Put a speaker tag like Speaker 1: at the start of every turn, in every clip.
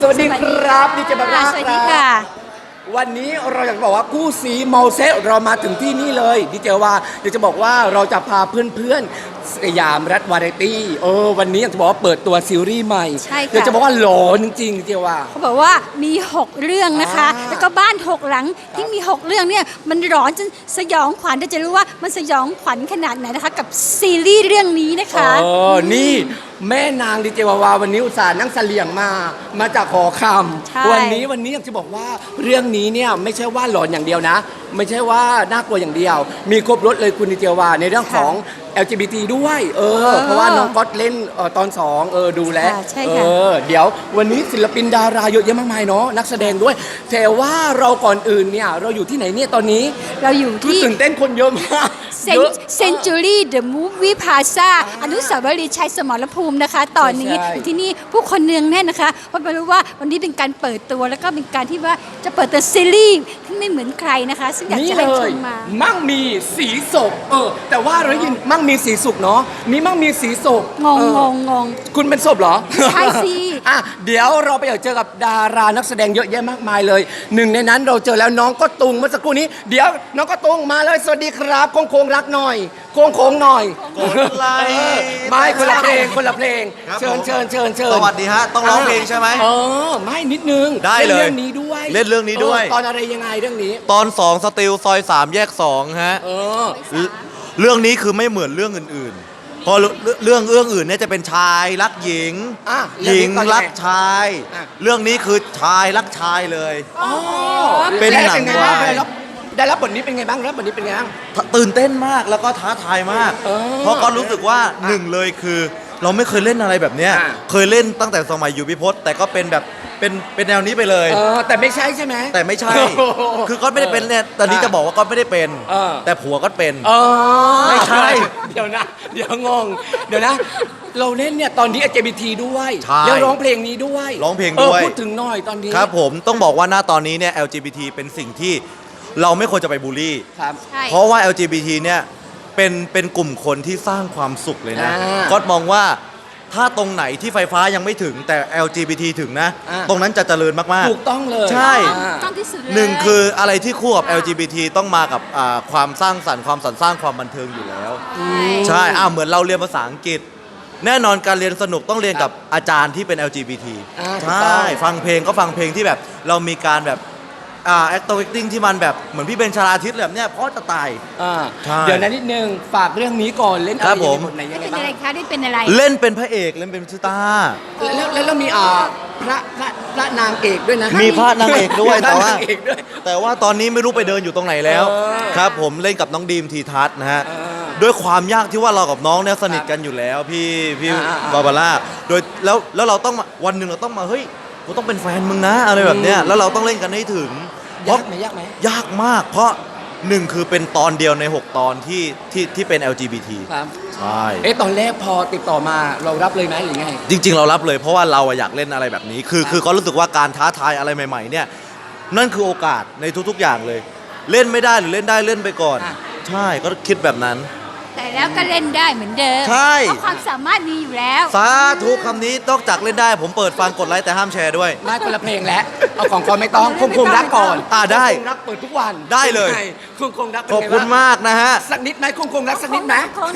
Speaker 1: สวัสดีครับดีเจบาร่า
Speaker 2: สวัสดีค่ะ
Speaker 1: วันนี้เราอยากจะบอกว่าคู่สีเมาเซตเรามาถึงที่นี่เลยดีเจว่าอยากจะบอกว่าเราจะพาเพื่อนๆสยามรัฐวาไรตี้วันนี้อยากจะบอกว่าเปิดตัวซีรีส์ใหม่
Speaker 2: ใช่ค่ะ
Speaker 1: อยากจะบอกว่าหลอนจริงๆดีเจว่า
Speaker 2: เขาบอกว่ามี 6 เรื่องนะคะ
Speaker 1: อ่า
Speaker 2: แล้วก็บ้าน 6 หลังที่มี 6 เรื่องเนี่ยมันร้อนจนสยองขวัญจะรู้ว่ามันสยองขวัญขนาดไหนนะคะ กับซีรีส์เรื่องนี้นะคะ
Speaker 1: นี่แม่นางดีเจวาวาวันนี้อุตส่าห์นั่งเสลี่ยงมาจากหอค
Speaker 2: ใช่
Speaker 1: ำวันนี้อยากจะบอกว่าเรื่องนี้เนี่ยไม่ใช่ว่าหลอนอย่างเดียวนะ ไม่ใช่ว่าน่ากลัวอย่างเดียว มีครบรถเลยคุณดีเจวาในเรื่องของ LGBT ด้วยเพราะว่าน้องก๊อตเล่นตอน2ดูแลว
Speaker 2: ค่ะใช่ค่ะ
Speaker 1: เดี๋ยววันนี้ศิลปินดาราเยอะแยะมากมายเนาะนักแสดงด้วยแต่ว่าเราก่อนอื่นเนี่ยเราอยู่ที่ไหนเนี่ยตอนนี้
Speaker 2: เราอยู่
Speaker 1: คือ
Speaker 2: ที่
Speaker 1: ตื่นเต้นคนเยอะมากเยอะ
Speaker 2: เซนจูรี่เดอะมูฟวี่พาซาอนุสาวรีย์ชัยสมรภูมินะคะ ตอนนี้
Speaker 1: ใช่
Speaker 2: อยู่ที่นี่ผู้คนเนืองแน่นนะคะเพราะไม่รู้ว่าวันนี้เป็นการเปิดตัวแล้วก็เป็นการที่ว่าจะเปิดตัวซีรีส์ที่ไม่เหมือนใครนะคะ ซึ่งอยาก
Speaker 1: นี่
Speaker 2: จะ
Speaker 1: เล
Speaker 2: ให้ช
Speaker 1: ย
Speaker 2: มมา
Speaker 1: มั่งมีสีสุกแต่ว่าเราได้ยินมั่งมีสีสุกเนาะมีมั่งมีสีสุก
Speaker 2: งงงงงง
Speaker 1: คุณเป็นศพเหรอ
Speaker 2: ใช่สิ
Speaker 1: อ่ะเดี๋ยวเราไปเจอกับดารานักแสดงเยอะแยะมากมายเลยหนึ่งในนั้นเราเจอแล้วน้องก็ตุงเมื่อสักครู่นี้เดี๋ยวน้องก็ตุงมาเลยสวัสดีครับโค้งรักหน่อยโค้งหน่อย
Speaker 3: กดไลค์
Speaker 1: ไม่คนละเพลง
Speaker 3: ครับ
Speaker 1: เชิญ
Speaker 3: ผม
Speaker 1: เชิญ
Speaker 3: สวัสดีฮะ ต้องร้องเพลงใช่ไหม
Speaker 1: ไม่นิดนึง
Speaker 3: ได้เลย
Speaker 1: เรื่องนี้ด้วย
Speaker 3: เล่นเรื่องนี้ด้วย
Speaker 1: ตอนอะไรยังไงเรื่องนี้
Speaker 3: ตอน 2 สติลซอย 3 แยก 2 ฮะ เรื่องนี้คือไม่เหมือนเรื่องอื่นๆ พอเรื่องอื่นเนี่ยจะเป็นชายรักหญิง
Speaker 1: อ่ะ
Speaker 3: หญิงรักชาย
Speaker 1: อ่ะ
Speaker 3: เรื่องนี้คือชายรักชายเลย เป็นหนัง
Speaker 1: ไบ้
Speaker 3: วาย
Speaker 1: ได้รับบทนี้เป็นไงบ้างรับบทนี้เป็นไงบ้าง
Speaker 3: ตื่นเต้นมากแล้วก็ท้าทายมาก เพราะก็รู้สึกว่าหนึ่งเลยคือ เราไม่เคยเล่นอะไรแบบเนี้ย
Speaker 1: อ่ะ
Speaker 3: เคยเล่นตั้งแต่สมัยอยู่พิพจน์แต่ก็เป็นแบบเป็นแนวนี้ไปเลย
Speaker 1: แต่ไม่ใช่ใช่ไหม
Speaker 3: แต่ไม่ใช่
Speaker 1: โอ้โห
Speaker 3: คือก็ไม่ได้เป็นเนี่ยตอนนี้จะบอกว่าก็ไม่ได้เป็น
Speaker 1: เออ
Speaker 3: แต่ผัวก็เป็น
Speaker 1: ไม่
Speaker 3: ใช่
Speaker 1: เดี๋ยวนะ เดี๋ยวงง เดี๋ยวนะ เราเล่นเนี่ยตอนนี้ LGBT ด้วย
Speaker 3: ใช่
Speaker 1: แล้วร้องเพลงนี้ด้วย
Speaker 3: ร้องเพลงด้วย
Speaker 1: พูดถึงหน่อยตอนนี้
Speaker 3: ครับผมต้องบอกว่าหน้าตอนนี้เนี่ย LGBT เป็นสิ่งที่เราไม่ควรจะไปบูลลี่
Speaker 1: ครับ
Speaker 2: ใช่
Speaker 3: เพราะว่า LGBT เนี่ยเป็นกลุ่มคนที่สร้างความสุขเลยนะ
Speaker 1: อ่า
Speaker 3: ก็มองว่าถ้าตรงไหนที่ไฟฟ้ายังไม่ถึงแต่ LGBT ถึงนะ
Speaker 1: อ่า
Speaker 3: ตรงนั้นจะเจริญมาก
Speaker 1: ถูกต้องเลย
Speaker 3: ใช่
Speaker 2: ต้องที่สุดเลย
Speaker 3: ๆหนึ่งคืออะไรที่คู่กับ
Speaker 2: ค่ะ
Speaker 3: LGBT ต้องมากับความสร้างสรรค์ความสรรสร้างความบันเทิงอยู่แล้ว
Speaker 2: ใช่
Speaker 3: ใช่เหมือนเราเรียนภาษาอังกฤษ แน่นอนการเรียนสนุกต้องเรียนกับอาจารย์ที่เป็น LGBT
Speaker 1: ถูก
Speaker 3: ใช่
Speaker 1: ต้อง
Speaker 3: ฟังเพลงก็ฟังเพลงที่แบบเรามีการแบบacting ที่มันแบบเหมือนพี่เบนชลาทิศแบบเนี้ยเพราะจะตาย ใช่
Speaker 1: เดี๋ยวนั้นนิดนึง ฝากเรื่องนี้ก่อนเล่นอะ
Speaker 3: ครั
Speaker 1: ไร
Speaker 3: บ
Speaker 1: ยัง
Speaker 3: ผ
Speaker 1: ไง
Speaker 3: ม
Speaker 1: บทไหนยังไง
Speaker 2: เป็น
Speaker 1: บ้า
Speaker 2: อะไร
Speaker 1: ง
Speaker 2: คะได้เป็นอะไร
Speaker 3: เล่นเป็นพระเอกเล่นเป็นชิต้า
Speaker 1: แล้วมีพระนางเอกด้วยนะ
Speaker 3: มีพระนางเอกด้วย
Speaker 1: มีพระนางเอกด้วย
Speaker 3: แต่ว่าตอนนี้ไม่รู้ไปเดินอยู่ตรงไหนแล้ว
Speaker 1: เออ
Speaker 3: ครับผมเล่นกับน้องดีมทีทัศน์นะฮะ
Speaker 1: เออ
Speaker 3: ด้วยความยากที่ว่าเรากับน้องเนี่ยสนิทกันอยู่แล้วพี่
Speaker 1: อ่า
Speaker 3: บาบาร่าโดยแล้วเราต้องมาวันหนึ่งเราต้องมาเฮ้ยกูต้องเป็นแฟนมึงนะอะไรแบบเนี้ยแล้วเราต้องเล่นกันให้ถึงเพราะ
Speaker 1: ยากไหม
Speaker 3: ยากมาก เพราะหนึ่งคือเป็นตอนเดียวใน 6 ตอนที่เป็น LGBT
Speaker 1: ครับ
Speaker 3: ใช่
Speaker 1: ตอนแรกพอติดต่อมาเรารับเลยไหมหรือไง
Speaker 3: จริง ๆ เรารับเลยเพราะว่าเราอะอยากเล่นอะไรแบบนี้ คือก็รู้สึกว่าการท้าทายอะไรใหม่ๆเนี่ยนั่นคือโอกาสในทุกๆอย่างเลย เล่นไม่ได้หรือเล่นได้เล่นไปก่อน
Speaker 1: อ่ะ
Speaker 3: ใช่ก็คิดแบบนั้น
Speaker 2: แต่แล้วก็เล่นได้เหมือนเดิม
Speaker 3: ใช่
Speaker 2: เพราะความสามารถมีอยู่แล้ว
Speaker 3: สาธุคำนี้นอกจากเล่นได้ผมเปิดฟังกดไลค์แต่ห้ามแชร์ด้วย
Speaker 1: ไม่คนละเพลงแล้วเอาของก่อนไม่ต้องคงรักก่อน
Speaker 3: ได้
Speaker 1: คงรักเปิดทุกวัน
Speaker 3: ได้เลย
Speaker 1: คงรักเป็น
Speaker 3: ขอบ
Speaker 1: ไง
Speaker 3: คุณ
Speaker 1: บ้าง
Speaker 3: มากนะฮะ
Speaker 1: สักนิดไหมคงรักสักนิดไหม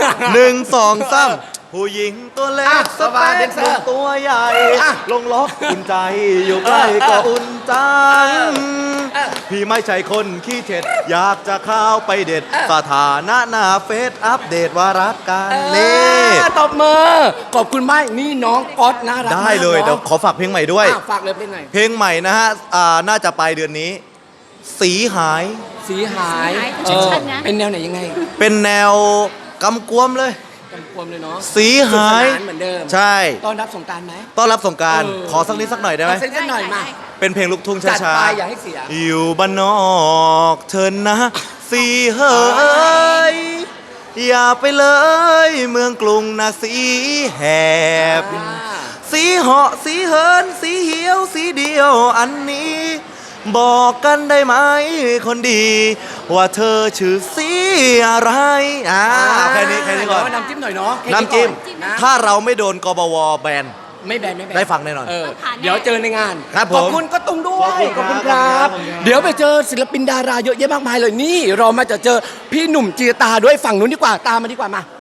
Speaker 3: 1 2 3ผู้หญิงตัวเล็
Speaker 1: อ่ะ
Speaker 3: ก
Speaker 1: สบายเดนเซอร์
Speaker 3: ตัวใหญ่
Speaker 1: อ่ะ
Speaker 3: ลงล็อกอุ่นใจอยู่ใกล้ก็อุ่นจัง พี่ไม่ใช่คนขี้เท็ดอยากจะเข้าไปเด็ด สถานะหน้าเฟซอัปเดตว่ารักกันนี่
Speaker 1: ตบมือขอบคุณมากนี่น้องก๊อตน่ารัก
Speaker 3: ได้เลย
Speaker 1: มาก
Speaker 3: เดี๋ยวขอฝากเพลงใหม่ด้วย
Speaker 1: ฝากเลยเพลงหน่อย
Speaker 3: เพลงใหม่นะฮะน่าจะปลายเดือนนี้ สีหาย
Speaker 1: สีหาย
Speaker 2: สีหายชัดๆนะ
Speaker 1: เป็นแนวไหนยังไง
Speaker 3: เป็นแนวกำกวมเลย
Speaker 1: กำกวมเลยเนาะ
Speaker 3: สีหาย
Speaker 1: สนุกสนานเหมือนเดิม
Speaker 3: ใช่
Speaker 1: ต้อนรับสงกรารไหม
Speaker 3: ต้อนรับสงกราร
Speaker 1: เออ
Speaker 3: ขอสักนิดสักหน่อยได้ไหม
Speaker 1: เอาสักหน่อยมา
Speaker 3: เป็นเพลงลูกทุ่ง
Speaker 1: จัด
Speaker 3: ช้า
Speaker 1: ไป
Speaker 3: ๆ
Speaker 1: อย่าให้เสีย
Speaker 3: อยู่บ้านนอกเถินนะ สีเฮยอย่าไปเลย เมืองกรุงนะสีแหบ สีเหาะสีเหินสีเหียวสีเดียวอันนี้ บอกกันได้ไหมคนดี ว่าเธอชื่อสีอะไรแค่นี้ก่อน
Speaker 1: น้ำจิ้มหน่อยเนาะแค่
Speaker 3: น้ำจิ้ม
Speaker 1: ก่อนะ
Speaker 3: ถ้าเราไม่โดนกบวแบน
Speaker 1: ไม่แบนไม่แบน
Speaker 3: ได้ฟังแน่นอน
Speaker 2: ผ่านแน่
Speaker 1: เดี๋ยวเจอในงาน
Speaker 3: ครับผม
Speaker 1: ขอบคุณก็ตุ้งด้วย
Speaker 3: ขอบคุณครับ
Speaker 1: เดี๋ยวไปเจอศิลปินดาราเยอะแยะมากมายเลยนี่เรามาจะเจอพี่หนุ่มจีตาด้วยฝั่งนู้นดีกว่าตามมาดีกว่ามา